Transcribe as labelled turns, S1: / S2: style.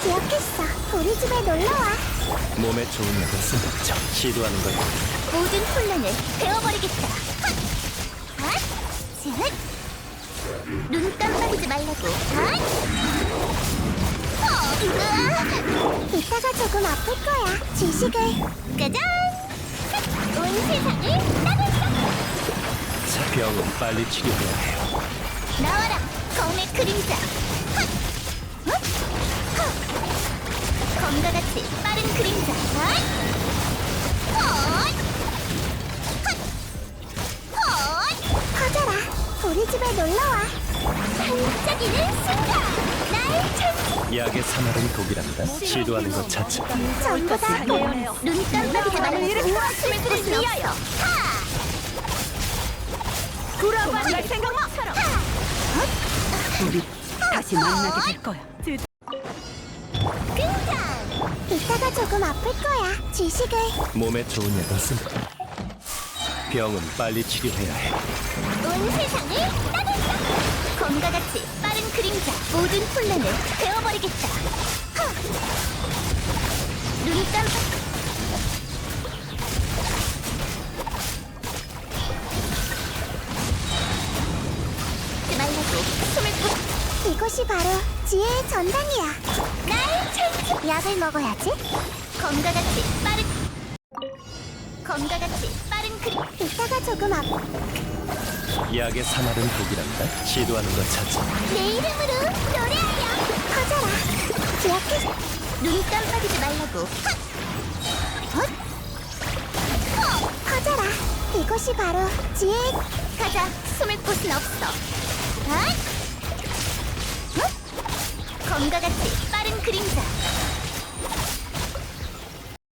S1: 기억했어. 우리 집에 놀러와.
S2: 몸에 좋은 약은 쓴다죠. 시도하는 거야.
S1: 모든 혼란을 베어버리겠다. 핫! 쯧! 눈 깜빡이지 말라고. 핫! 이따가 조금 아플 거야. 지식을. 짜잔! 온 세상을 따뜻하게.
S2: 자, 병은 빨리 치료해야 해요.
S1: 나와라. 검의 그림자. 핫! 헛! 헛! 검과 같이 빠른 그림자. 핫! 헛! 헛! 헛! 커져라. 우리 집에 놀러와. 반짝이는 순간. 날 찾.
S2: 약의 사마른 독이란다. 시도하는 것 자체.
S1: 전부 다 눈 깜빡이지 말라고. 숨을 풀 수 없어. 하!
S3: 돌아갈 생각 마! 우리 다시 만나게 될 거야.
S1: 등장! 이따가 조금 아플 거야. 지식을.
S2: 몸에 좋은 약은 쓴다. 병은 빨리 치료해야 해.
S1: 온 세상을 따뜻하게. 검과 같이 빠른 그림자. 모든 혼란을 베어버리겠다. 하! 눈 깜빡. 말라고. 숨을 푹. 이곳이 바로 지혜의 전당이야. 날 찾지. 약을 먹어야지. 검과 같이 빠른. 검과 같이 빠른 그림. 이따가 조금
S2: 약의 사마른 독이란다. 시도하는 것 자체.
S1: 내 이름으로 노래하여. 커져라. 기억해. 눈 깜빡이지 말라고. 헛! 헛! 커져라. 이곳이 바로 지혜. 가자. 숨을 곳은 없어. 헛! 헛! 검과 같이 빠른 그림자.